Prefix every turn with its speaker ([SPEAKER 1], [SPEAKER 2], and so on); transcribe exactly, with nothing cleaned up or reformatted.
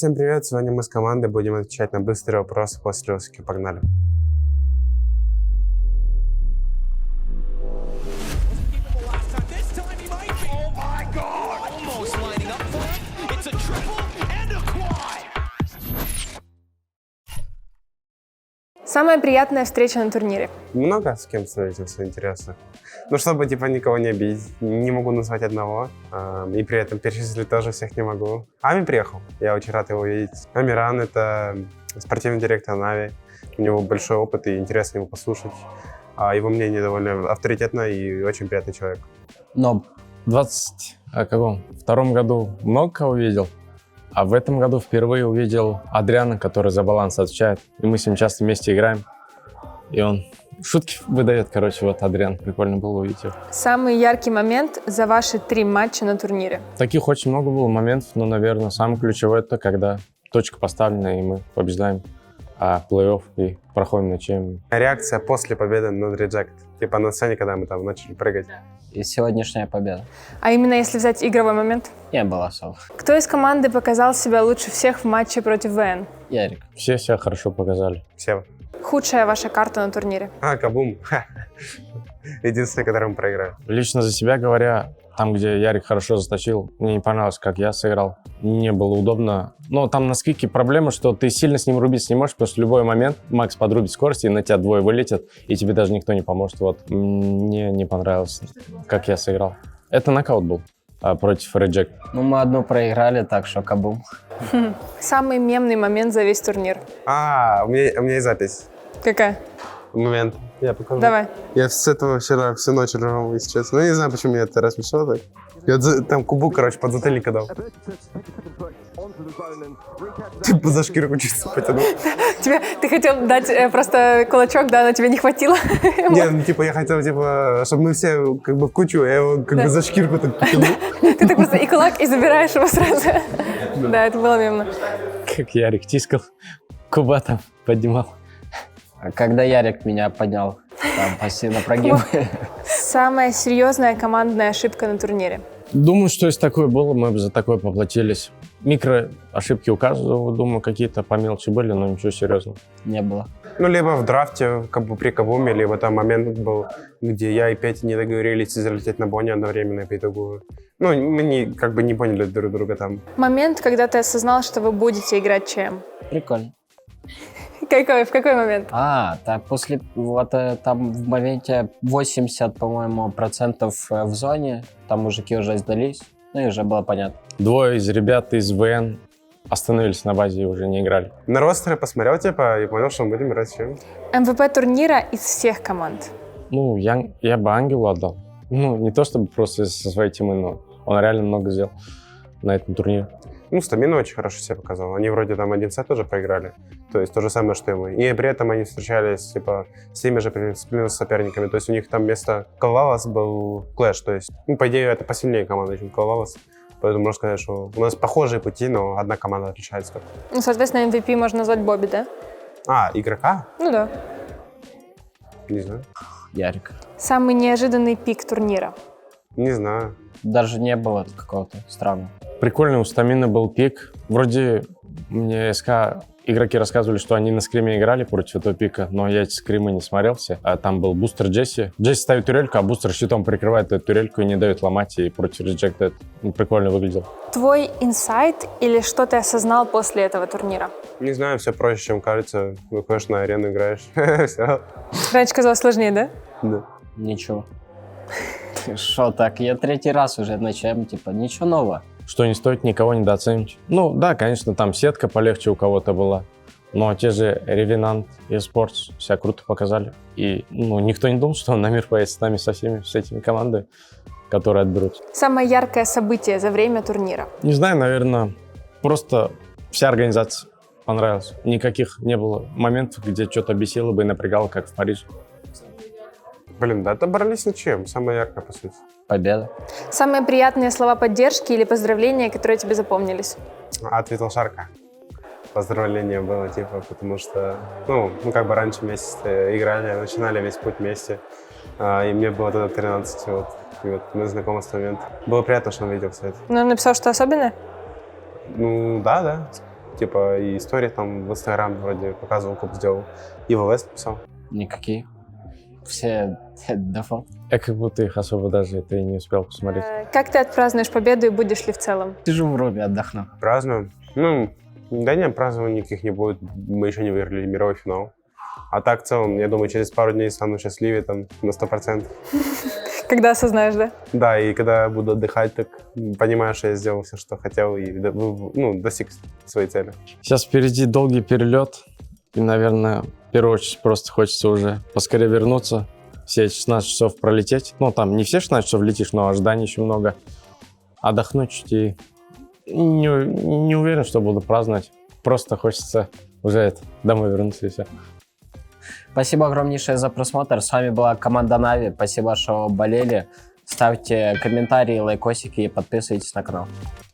[SPEAKER 1] Всем привет! Сегодня мы с командой будем отвечать на быстрые вопросы после Осики. Погнали!
[SPEAKER 2] Самая приятная встреча на турнире?
[SPEAKER 1] Много с кем встретился, интересно. Ну, чтобы типа никого не обидеть, не могу назвать одного. Э, и при этом перечислить тоже всех не могу. Ами приехал, я очень рад его видеть. Амиран — это спортивный директор Нави. У него большой опыт и интересно его послушать. А его мнение довольно авторитетно и очень приятный человек.
[SPEAKER 3] Но в двадцать втором году много кого видел. А в этом году впервые увидел Адриана, который за баланс отвечает. И мы с ним часто вместе играем. И он шутки выдает, короче, вот Адриан. Прикольно было увидеть его.
[SPEAKER 2] Самый яркий момент за ваши три матча на турнире?
[SPEAKER 3] Таких очень много было моментов, но, наверное, самый ключевой — это когда точка поставлена, и мы побеждаем а плей-офф и проходим на чем.
[SPEAKER 1] Реакция после победы над Reject. Типа на сцене, когда мы там начали прыгать.
[SPEAKER 4] И сегодняшняя победа.
[SPEAKER 2] А именно если взять игровой момент?
[SPEAKER 4] Не было особо.
[SPEAKER 2] Кто из команды показал себя лучше всех в матче против ВН?
[SPEAKER 4] Ярик.
[SPEAKER 3] Все себя хорошо показали.
[SPEAKER 1] Все.
[SPEAKER 2] Худшая ваша карта на турнире?
[SPEAKER 1] А, Кабум. Единственный, который мы проиграли.
[SPEAKER 3] Лично за себя говоря, там, где Ярик хорошо заточил, мне не понравилось, как я сыграл. Не было удобно. Но там на сквике проблема, что ты сильно с ним рубиться не можешь, потому что в любой момент Макс подрубит скорость, и на тебя двое вылетят, и тебе даже никто не поможет. Вот. Мне не понравилось, как я сыграл. Это нокаут был а, против Reject.
[SPEAKER 4] Ну, мы одну проиграли, так что кабум.
[SPEAKER 2] Самый мемный момент за весь турнир?
[SPEAKER 1] А, у меня, у меня есть запись.
[SPEAKER 2] Какая?
[SPEAKER 1] Момент. Я покажу.
[SPEAKER 2] Давай.
[SPEAKER 1] Я с этого вчера всю ночь ржал, если честно. Ну, не знаю, почему меня это рассмешило так. Я за- там кубу, короче, под затыльника дал. Типа за шкирку чисто потянул.
[SPEAKER 2] Тебе, ты хотел дать э, просто кулачок, да, но тебе не хватило?
[SPEAKER 1] Не, ну типа я хотел, типа, чтобы мы все как бы в кучу, я его как
[SPEAKER 2] Да.
[SPEAKER 1] бы за шкирку так потянул.
[SPEAKER 2] Ты так просто и кулак, и забираешь его сразу. Да, это было мемно.
[SPEAKER 3] Как Ярик тискал, Куба там поднимал.
[SPEAKER 4] А когда Ярик меня поднял, там пассивно прогиб.
[SPEAKER 2] Самая серьезная командная ошибка на турнире?
[SPEAKER 3] Думаю, что если такое было, мы бы за такое поплатились. Микро ошибки у каждого, думаю, какие-то по мелочи были, но ничего серьезного.
[SPEAKER 4] Не было.
[SPEAKER 1] Ну, либо в драфте, как бы при Кабуме, либо там момент был, где я и Петя не договорились залететь на Бонни одновременно по итогу. Ну, мы не, как бы не поняли друг друга там.
[SPEAKER 2] Момент, когда ты осознал, что вы будете играть ЧМ?
[SPEAKER 4] Прикольно.
[SPEAKER 2] Какой, в какой момент?
[SPEAKER 4] А, так после, вот э, там в моменте восемьдесят, по-моему, процентов э, в зоне, там мужики уже сдались, ну и уже было понятно.
[SPEAKER 3] Двое из ребят из ВН остановились на базе и уже не играли.
[SPEAKER 1] На ростеры посмотрел, типа, и понял, что мы будем играть с чем.
[SPEAKER 2] эм вэ пэ турнира из всех команд?
[SPEAKER 3] Ну, я, я бы Ангелу отдал. Ну, не то чтобы просто со своей темы, но он реально много сделал на этом турнире.
[SPEAKER 1] Ну, Стамина очень хорошо себя показал. Они вроде там один сет тоже проиграли. То есть то же самое, что и мы. И при этом они встречались, типа, с теми же плюс соперниками. То есть у них там вместо Калвалас был Клэш. То есть, ну, по идее, это посильнее команда, чем Калвалас. Поэтому можно сказать, что у нас похожие пути, но одна команда отличается.
[SPEAKER 2] Ну, соответственно, эм ви пи можно назвать Бобби, да?
[SPEAKER 1] А, игрока?
[SPEAKER 2] Ну да.
[SPEAKER 1] Не знаю.
[SPEAKER 4] Ярик.
[SPEAKER 2] Самый неожиданный пик турнира?
[SPEAKER 1] Не знаю.
[SPEAKER 4] Даже не было какого-то странного.
[SPEAKER 3] Прикольный у Стамина был пик. Вроде мне СК игроки рассказывали, что они на скриме играли против этого пика, но я эти скримы не смотрел все. А там был бустер Джесси. Джесси ставит турельку, а бустер щитом прикрывает эту турельку и не дает ломать, и против Reject это ну, прикольно выглядел.
[SPEAKER 2] Твой инсайт или что ты осознал после этого турнира?
[SPEAKER 1] Не знаю, все проще, чем кажется. Выходишь на арену, играешь. Все.
[SPEAKER 2] Раньше казалось сложнее, да?
[SPEAKER 1] Да.
[SPEAKER 4] Ничего. Что так? Я третий раз уже на ЧМ, типа, ничего нового.
[SPEAKER 3] Что не стоит никого недооценивать. Ну да, конечно, там сетка полегче у кого-то была, но те же Revenant и Sports себя круто показали. И ну, никто не думал, что на мир поедет с нами, со всеми, с этими командами, которые отберут.
[SPEAKER 2] Самое яркое событие за время турнира?
[SPEAKER 3] Не знаю, наверное, просто вся организация понравилась. Никаких не было моментов, где что-то бесило бы и напрягало, как в Париже.
[SPEAKER 1] Блин, да отобрались ничем. Самое яркое, по сути.
[SPEAKER 4] Победа.
[SPEAKER 2] Самые приятные слова поддержки или поздравления, которые тебе запомнились?
[SPEAKER 1] Ответил Шарка. Поздравление было, типа, потому что, ну, мы как бы раньше вместе играли, начинали весь путь вместе. А, и мне было тогда тринадцать, вот. И вот мы знакомы с момента. Было приятно, что он видел все это.
[SPEAKER 2] Ну, он написал, что особенное?
[SPEAKER 1] Ну, да, да. Типа и истории там в Инстаграм вроде показывал, как сделал. И в ЛС написал.
[SPEAKER 4] Никакие. Все дефолт.
[SPEAKER 3] Я как будто их особо даже это и не успел посмотреть.
[SPEAKER 2] Э, Как ты отпразднуешь победу и будешь ли в целом?
[SPEAKER 4] Сижу в руме, отдохну.
[SPEAKER 1] Празднуем. Ну, да нет, празднований никаких не будет. Мы еще не выиграли мировой финал. А так, в целом, я думаю, через пару дней стану счастливее там на сто процентов.
[SPEAKER 2] Когда осознаешь, да?
[SPEAKER 1] Да, и когда буду отдыхать, так понимаю, что я сделал все, что хотел, и до- ну, достиг своей цели.
[SPEAKER 3] Сейчас впереди долгий перелет. И, наверное, в первую очередь просто хочется уже поскорее вернуться. Все шестнадцать часов пролететь. Ну, там не все шестнадцать часов летишь, но ожиданий еще много. Отдохнуть чуть и не, не уверен, что буду праздновать. Просто хочется уже это, домой вернуться и все.
[SPEAKER 4] Спасибо огромнейшее за просмотр. С вами была команда Нави. Спасибо, что болели. Ставьте комментарии, лайкосики и подписывайтесь на канал.